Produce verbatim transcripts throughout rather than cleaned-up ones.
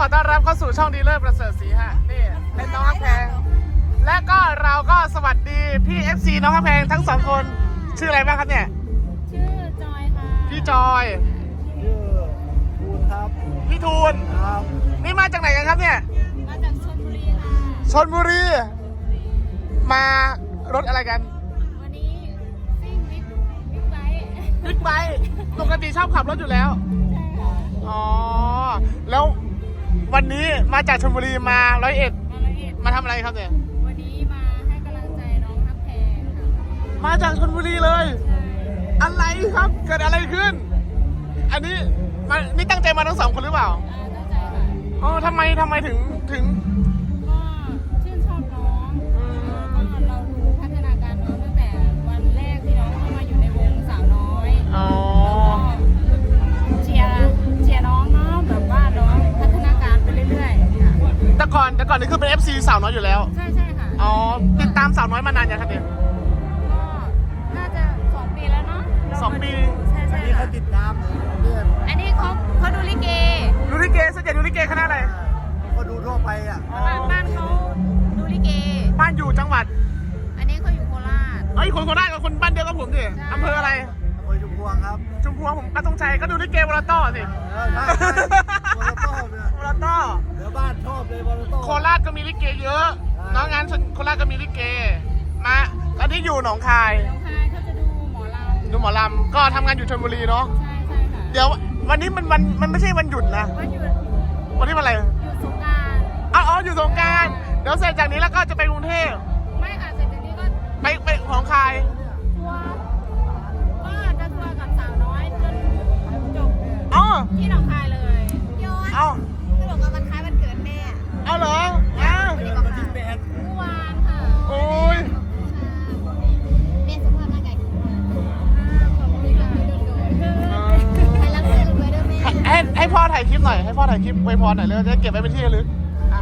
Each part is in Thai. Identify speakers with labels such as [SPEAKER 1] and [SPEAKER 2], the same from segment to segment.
[SPEAKER 1] ต้อนรับเข้าสู่ช่องดีเลิศประเสริฐศรีฮะนี่เป็นน้องฮักแพงและก็เราก็สวัสดีพี่ เอฟ ซี น้องฮักแพงทั้งสองคนชื่ออะไรบ้างครับเนี่ย
[SPEAKER 2] ชื่อจอยค่ะ
[SPEAKER 1] พี่จอย
[SPEAKER 3] ชื่อทูนครับ
[SPEAKER 1] พี่ทูน
[SPEAKER 3] ครับ
[SPEAKER 1] นี่มาจากไหนกันครับเนี่ย
[SPEAKER 2] มาจากชลบุรีค่ะ
[SPEAKER 1] ชลบุรีมารถอะไรกัน
[SPEAKER 2] วันนี้ซิ่งบิ๊กบิ๊กไบค์
[SPEAKER 1] บิ๊กไบค์ปกติชอบขับรถอยู่แล้ว
[SPEAKER 2] ใช่ค่ะ
[SPEAKER 1] อ๋อแล้ววันนี้มาจากชลบุรีมาร้อยเอ็ด
[SPEAKER 2] มาร้อยเอ็ด
[SPEAKER 1] มาทำอะไรครับเนี่ย
[SPEAKER 2] วันนี้มาให้กำลังใจน้องฮักแพงค่ะ
[SPEAKER 1] มาจากชลบุรีเลยอะไรครับเกิดอะไรขึ้นอันนี้มานี่ตั้งใจมาทั้งสองคนหรือเปล่า
[SPEAKER 2] ตั้งใจค่ะ
[SPEAKER 1] อ๋อทำไมทำไมถึงถึง
[SPEAKER 2] ก็ชื่นชอบน้องก็เราดูพัฒนาการน้องตั้งแต่วันแรกที่น้องเข้ามาอยู่ในวงสาวน้อย
[SPEAKER 1] อ๋อ
[SPEAKER 2] เชียร์เชียร์น้องเนาะแบบว่าน้องพัฒนาการไปเรื่อยๆค่ะ
[SPEAKER 1] แต่ก่อนแต่ก่อนนี่คือเป็น เอฟ ซี สาวน้อยอยู่แล้ว
[SPEAKER 2] ใช่ใช่ค่ะ
[SPEAKER 1] อ๋อติดตามสาวน้อยมานานยังครับเนี่ย
[SPEAKER 2] ก็น่าจะสองปีแล้วเนาะ
[SPEAKER 1] สองปี
[SPEAKER 2] ใช่ใช่
[SPEAKER 3] นี่เขาติดตามเพื่อน
[SPEAKER 2] อันนี้เขาเขาดูลิเก
[SPEAKER 1] ดูลิเกส่วนใหญ่ดูลิเกคณะอะไร
[SPEAKER 3] เขาดูทั่วไปอ่ะ
[SPEAKER 2] บ้านเขาดูลิเก
[SPEAKER 1] บ้านอยู่จังหวัด
[SPEAKER 2] อันนี้เขาอยู่โคราช
[SPEAKER 1] เอ้ยคนโคราชกับคนบ้านเดียวกับผมสิอำเภออะไร
[SPEAKER 3] อำเภอชุมพวงครับ
[SPEAKER 1] ชุมพวงผมป้าตงชัยก็ดูลิเกวอลต้อสิ
[SPEAKER 3] เออใช่วอลต้อเนี่ยว
[SPEAKER 1] อลต้อ
[SPEAKER 3] เดี๋ยวบ้านชอบเลยวอลต้อ
[SPEAKER 1] โคราชก็มีลิเกเยอะน้องงานโคราชก็มีลิเกมาตอนนี้อยู่หนองคาย
[SPEAKER 2] หนองคายเขาจะดูหมอลำ
[SPEAKER 1] ดูหมอลำก็ทำงานอยู่ชลบุรีเนาะ
[SPEAKER 2] ใช่ใช่ค่ะ
[SPEAKER 1] เดี๋ยววันนี้มันวันมันไม่ใช่วันหยุดนะ
[SPEAKER 2] วันหยุด
[SPEAKER 1] วันนี้วันอะไร
[SPEAKER 2] หยุดสงกรานต์
[SPEAKER 1] อ๋ออยู่สงกรานต์เดี๋ยวเสร็จจากนี้แล้วก็จะไปกรุงเทพ
[SPEAKER 2] ไม่ค่ะเสร็จจากนี้ก็
[SPEAKER 1] ไปไปหนองคาย
[SPEAKER 2] ทัวร์ก็จะทัวร์กับสาวน้อยจนจบ
[SPEAKER 1] อ๋อ
[SPEAKER 2] ที่หนองคายเลยย้อน
[SPEAKER 1] เอา
[SPEAKER 2] สรุปว่าวันคล้ายวันเกิดแม่
[SPEAKER 1] เอาเหรออ้าว
[SPEAKER 2] วันที่แปดเมื่อวานค่ะ
[SPEAKER 1] โอ้ย
[SPEAKER 2] แม่สุขภาพร่างกายขอบคุณค่ะไปรับเงินรวยด้วยแม่
[SPEAKER 1] ให้ให้พ่อถ่ายคลิปหน่อยให้พ่อถ่ายคลิปไว้พรหน่อยเลยจะเก็บไว้เป็นที่ระลึกอ่ะ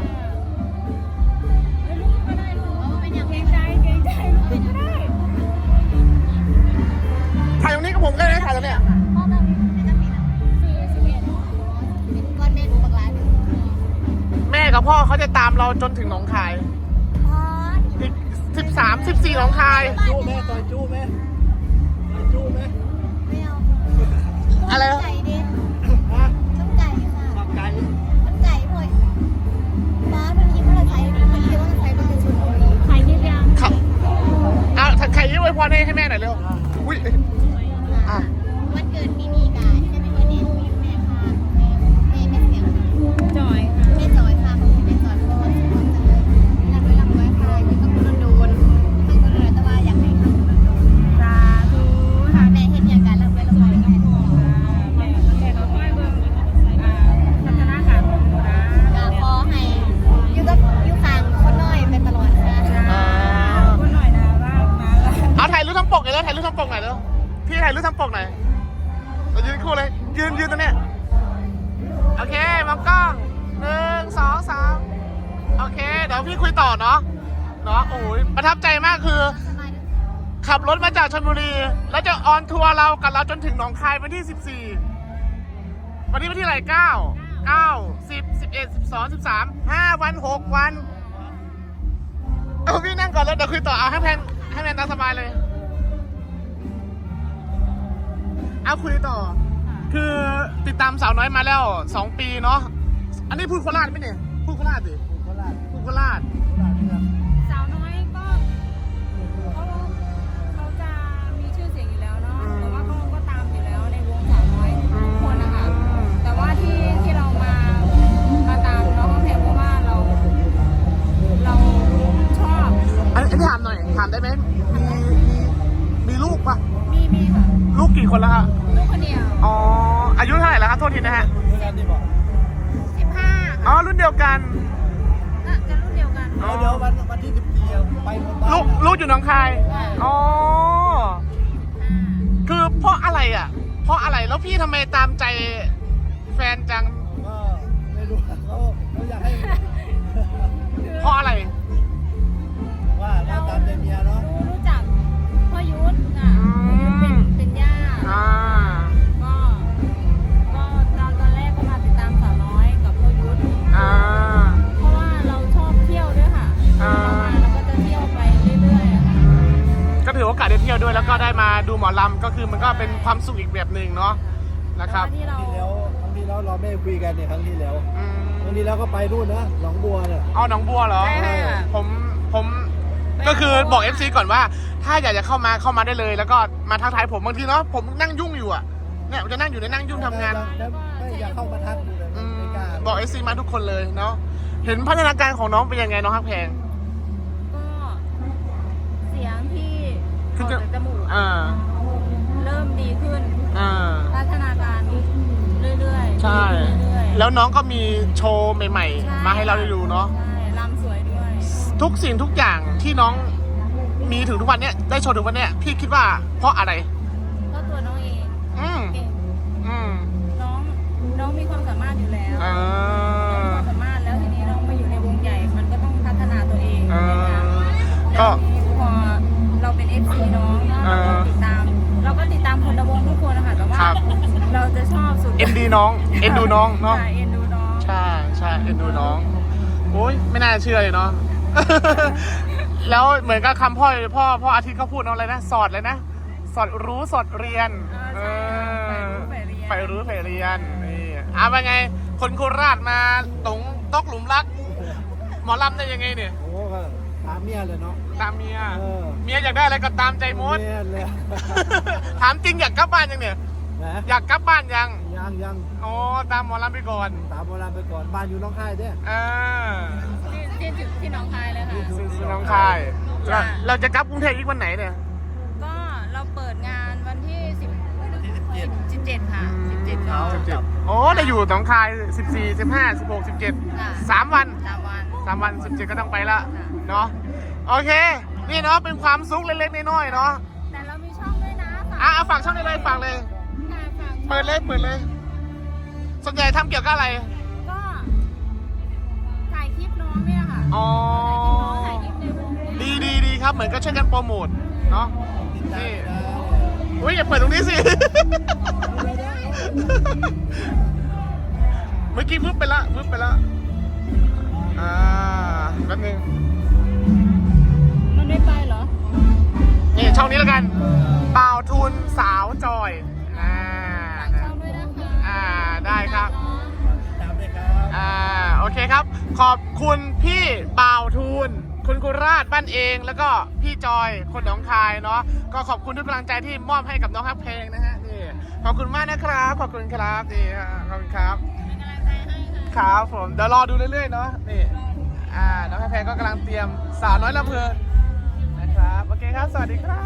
[SPEAKER 2] ลูกก็ได้ลูกเป็นอย่างเกรงใจเกรงใจลูกก็ได้
[SPEAKER 1] ถ่ายตรงนี้กับผมได้ไหมถ่ายตรงเนี้ย
[SPEAKER 2] พ่อแบบไม่ต้องมีนะสี่สิบเอ็ดเป็นก้อนแม่ดูบักร้าน
[SPEAKER 1] แม่กับพ่อเขาจะตามเราจนถึงหนองคายอีกสิบสามสิบสี่หนองคาย
[SPEAKER 3] จู้แม่ต่อยจู้แม่ต่อยจู้แม่
[SPEAKER 2] ไม่เอา
[SPEAKER 1] อะไร
[SPEAKER 2] ไก่ดิ
[SPEAKER 3] ฮะ
[SPEAKER 2] ต้องไก่ค่ะ
[SPEAKER 3] ต้องไก่
[SPEAKER 2] ต้องไก่พ่อยบ้านมันคิดว่าเราใช้มันคิดว่าเราใช้มันเป็นชุดไข่ยี่ยัง
[SPEAKER 1] ครับเอาไข่ยี่ไว้พรให้ให้แม่หน่อยเร็วอุ้ยอ่ะ
[SPEAKER 2] วันเกิดมีมีกายใช่ไหมวันนี้แม่ค่ะแม่แม่เสียงค่ะจอยค่ะแม่จอยค่ะแม่จอยเพราะว่าสุขภาพจะเลยรับไว้รับไว้ค่ะอยู่กับคุณโดนให้คุณโดนแต่ว่าอยากให้ทำคุณโดนสาธุค่ะแม่เห็นอย่างการรับไว้รับไว้กันแม่แม่เขาค่อยเบิ่งพัฒนาการของหนูนะก็ขอให้อยู่กับอยู่ข้างคนน้อยไปตลอดค่ะคนน้อยนะว่ามา
[SPEAKER 1] เอาถ่ายรูปทั้งปกเลยแล้วถ่ายรูปทั้งปกหน่อยแล้วพี่ถ่ายรูปทั้งปกหน่อยเรายืนคู่เลยยืนยืนตรงเนี้ยโอเคมองกล้องหนึ่งสองสามโอเคเดี๋ยวพี่คุยต่อเนาะเนาะโอ้ยประทับใจมากคือขับรถมาจากชลบุรีแล้วจะออนทัวร์เรากับเราจนถึงหนองคายวันที่สิบสี่วันนี้วันที่อะไรเก้าเก้าสิบสิบเอ็ดสิบสองสิบสามห้าวันหกวันเอาพี่นั่งก่อนแล้วเดี๋ยวคุยต่อเอาให้แพนให้แพนตามสบายเลยเอาคุยต่อคือติดตามสาวน้อยมาแล้วสองปีเนาะอันนี้พูดโคราชไหมเนี่ยพูดโคราชสิ
[SPEAKER 3] พูดโคราช
[SPEAKER 1] พูดโคราช
[SPEAKER 2] สาวน้อยก็เขาเขาจะมีชื่อเสียงอยู่แล้วเนาะแต่ว่าเขาก็ตามอยู่แล้วในวงสาวน้อยทุกคนนะคะแต่ว่าที่ที่เรามามาตามน้องแพงเพราะว่าเราเราชอบ
[SPEAKER 1] อันนี้ถามหน่อยถามได้ไหมมีมีมีลูกปะ
[SPEAKER 2] มีมีค่ะ
[SPEAKER 1] ลูกกี่คนแล้วครับ
[SPEAKER 2] ลูกคนเดียว
[SPEAKER 1] อ๋ออายุเท่าไหร่แล้วครับโทษทีนะฮะ
[SPEAKER 2] สิบห้า
[SPEAKER 1] อ๋อรุ่นเดียวกัน
[SPEAKER 2] จะรุ่นเดียวกัน
[SPEAKER 3] เดี๋ยววันวันที่สิบสี่ไปหมดบ้าน
[SPEAKER 1] ลูกลูกอยู่หนองคายอ๋อคือเพราะอะไรอ่ะเพราะอะไรแล้วพี่ทำไมตามใจแฟนจัง
[SPEAKER 3] ก็ไม่รู้เขาเขาอยากให้
[SPEAKER 1] เพราะอะไร
[SPEAKER 3] ว่าเราตามใจเมียเนาะ
[SPEAKER 2] รู้จักพ่อยุทธอ่ะเป็นเป็นย่าก็ก็ตอนตอนแรกก็มาติดตามสาวน้อยกับพ่อยุทธ
[SPEAKER 1] อ่าด้วยแล้วก็ได้มาดูหมอลำก็คือมันก็เป็นความสุขอีกแบบหนึ่งเนาะนะครับ
[SPEAKER 2] ที่เรา
[SPEAKER 3] ครั้งที่แล้วครั้งที่แล้วเราไม่คุยกันเนี่ยครั้งที่แล้ว
[SPEAKER 1] อืม
[SPEAKER 3] ครั้งที่แล้วก็ไปนู่นนะหนองบัวเนี่ย
[SPEAKER 1] เอาหนองบัวเหรอ
[SPEAKER 2] ใช่ค่ะ
[SPEAKER 1] ผมผมก็คือบอก เอฟ ซี ก่อนว่า ถ้าอยากจะเข้ามาเข้ามาได้เลย แล้วก็มาทักทายผมบางทีเนาะผมนั่งยุ่งอยู่อ่ะเนี่ยผมจะนั่งอยู่ในนั่งยุ่งทำงาน
[SPEAKER 3] แล้วไม่อยากเข้ามาทักดูเลย
[SPEAKER 1] อืม
[SPEAKER 3] ไม่กล้า
[SPEAKER 1] บอก เอฟ ซี มาทุกคนเลยเนาะเห็นพัฒนาการของน้องเป็นยังไงน้องฮักแพง
[SPEAKER 2] ก็เสียงที่
[SPEAKER 1] คือ
[SPEAKER 2] ออก
[SPEAKER 1] จะ
[SPEAKER 2] จากจมูก
[SPEAKER 1] อ่า
[SPEAKER 2] เริ่มดีขึ้น
[SPEAKER 1] อ่า
[SPEAKER 2] พัฒนาการเรื่อยๆ
[SPEAKER 1] ใช่
[SPEAKER 2] เรื่อยๆ
[SPEAKER 1] แล้วน้องก็มีโชว์ใหม่
[SPEAKER 2] ช่
[SPEAKER 1] ๆ มาให้เราได้ดูเนาะ
[SPEAKER 2] ใช่ลำสวยด้วย
[SPEAKER 1] ทุกสิ่งทุกอย่างที่น้องมีถึงทุกวันเนี้ยได้โชว์ถึงวันเนี้ยพี่คิดว่าเพราะอะไร
[SPEAKER 2] ก็ตัวน้องเอง
[SPEAKER 1] อืม
[SPEAKER 2] เก่ง
[SPEAKER 1] อืม
[SPEAKER 2] น้องน้องมีความสามารถอยู่แล้ว
[SPEAKER 1] อ่า
[SPEAKER 2] น้องมีความสามารถแล้วทีนี้น้องมาอยู่ในวงใหญ่ มันก็ต้องพัฒนาตัวเอง
[SPEAKER 1] อ่า
[SPEAKER 2] นะคะ
[SPEAKER 1] ก็
[SPEAKER 2] แล้วทีนี้พอเราเป็น เอฟ ซี น้องแล้วเราก็
[SPEAKER 1] อ่า
[SPEAKER 2] ติดตาม เราก็ติดตามคนในวงทุกคนนะคะแต่ว่า
[SPEAKER 1] ครับ
[SPEAKER 2] เราจะชอบสุด
[SPEAKER 1] เอ็นดีน้องเอ็นดูน้องเนาะ
[SPEAKER 2] ใช่เอ็นดูน้อง
[SPEAKER 1] ใช่ใช่เอ็นดูน้องโอ้ยไม่น่าเชื่อเลยเนาะ แล้วเหมือนกับคำพ่อพ่อพ่ออาทิตย์เขาพูดเนาะอะไรนะสอดเลยนะ สอดรู้สอดเรียน
[SPEAKER 2] เออใช่ค่ะ
[SPEAKER 1] ไปรู้ไปเรียนนี่อ่ะเป็นไง คนโคราชมาตรงตกหลุมรัก หมอลำได้ยังไงเนี่ย
[SPEAKER 3] โอ้ก็ตามเมียเลยเนาะ
[SPEAKER 1] ตามเมีย
[SPEAKER 3] เออ
[SPEAKER 1] เมียอยากได้อะไรก็ตามใจมด
[SPEAKER 3] เมียเลย
[SPEAKER 1] ถามจริงอยากกลับบ้านยังเนี่ย
[SPEAKER 3] นะ
[SPEAKER 1] อยากกลับบ้านยัง
[SPEAKER 3] ยังยัง
[SPEAKER 1] โอ้ตามหมอลำไปก่อน
[SPEAKER 3] ตามโบราณไปก่อนบ้านอยู่น้องค่ายเนี่ย
[SPEAKER 1] อ่า
[SPEAKER 2] ที่ที่ที่ที่หน้องคายเลยค่ะ
[SPEAKER 1] ซึ่งน้องคายเรา
[SPEAKER 2] จ้ะ
[SPEAKER 1] เราจะกลับกรุงเทพอีกวันไหนเนี่ย
[SPEAKER 2] ก็เราเปิดงานวันที่สิบ
[SPEAKER 3] ที่สิบเจ็ด
[SPEAKER 2] สิบเจ็ดค่ะสิบเจ็ดก็
[SPEAKER 3] สิบเจ็ด
[SPEAKER 1] โอ้เราอยู่หนองคายสิบสี่ สิบห้า สิบหก สิบเจ็ด
[SPEAKER 2] ค่ะ
[SPEAKER 1] สามวัน
[SPEAKER 2] สามวัน
[SPEAKER 1] สามวันสิบเจ็ดก็ต้องไปละ
[SPEAKER 2] ค่ะ
[SPEAKER 1] เนาะโอเค นี่เนาะเป็นความสุขเล็กๆน้อยๆเนาะ
[SPEAKER 2] แต่เรามีช่องด้วยนะ
[SPEAKER 1] อ่ะเอาฝากช่องได้เลยฝากเลย
[SPEAKER 2] ค่ะฝาก
[SPEAKER 1] เปิดเลยเปิดเลย ส่วนใหญ่ทำเกี่ยวกับอะไร
[SPEAKER 2] ก็ถ่ายคลิปน้องเนี่ยค่ะ
[SPEAKER 1] อ๋อ
[SPEAKER 2] ถ่ายคลิปน้องถ่ายคลิปในวงเนี่ย
[SPEAKER 1] ดีดีดีครับเหมือนก็ช่วยกันโปรโมทเนาะ
[SPEAKER 3] ติดตาม
[SPEAKER 1] นี่
[SPEAKER 3] นะ
[SPEAKER 1] อุ้ยอย่าเปิดตรงนี้สิ เมื่อกี้พึบไปละพึบไปละอ่าแป๊บนึง
[SPEAKER 2] มันไม่ไปเหรอ
[SPEAKER 1] นี่ช่องนี้แล้วกันเป่าทุนสาวจอยอ่า
[SPEAKER 2] ฝากช่องด้วยนะคะ
[SPEAKER 1] อ่าได้ครับ
[SPEAKER 3] ตามเลยครับ
[SPEAKER 1] อ่าโอเคครับ ขอบคุณพี่เป่าทุนคุณกุราชบ้านเองแล้วก็พี่จอยคนหนองคายเนาะก็ขอบคุณทุกกำลังใจที่มอบให้กับน้องฮักเพลงนะฮะนี่ขอบคุณมากนะครับขอบคุณครับนี่ฮะขอบคุณครับ
[SPEAKER 2] เป็นกำลังใจให้ค่ะ
[SPEAKER 1] ครับผมเดี๋ยวรอดูเรื่อยๆเนาะนี่อ่าน้องฮักเพลงก็กำลังเตรียมสาวน้อยลำเพลินนะครับโอเคครับสวัสดีครับ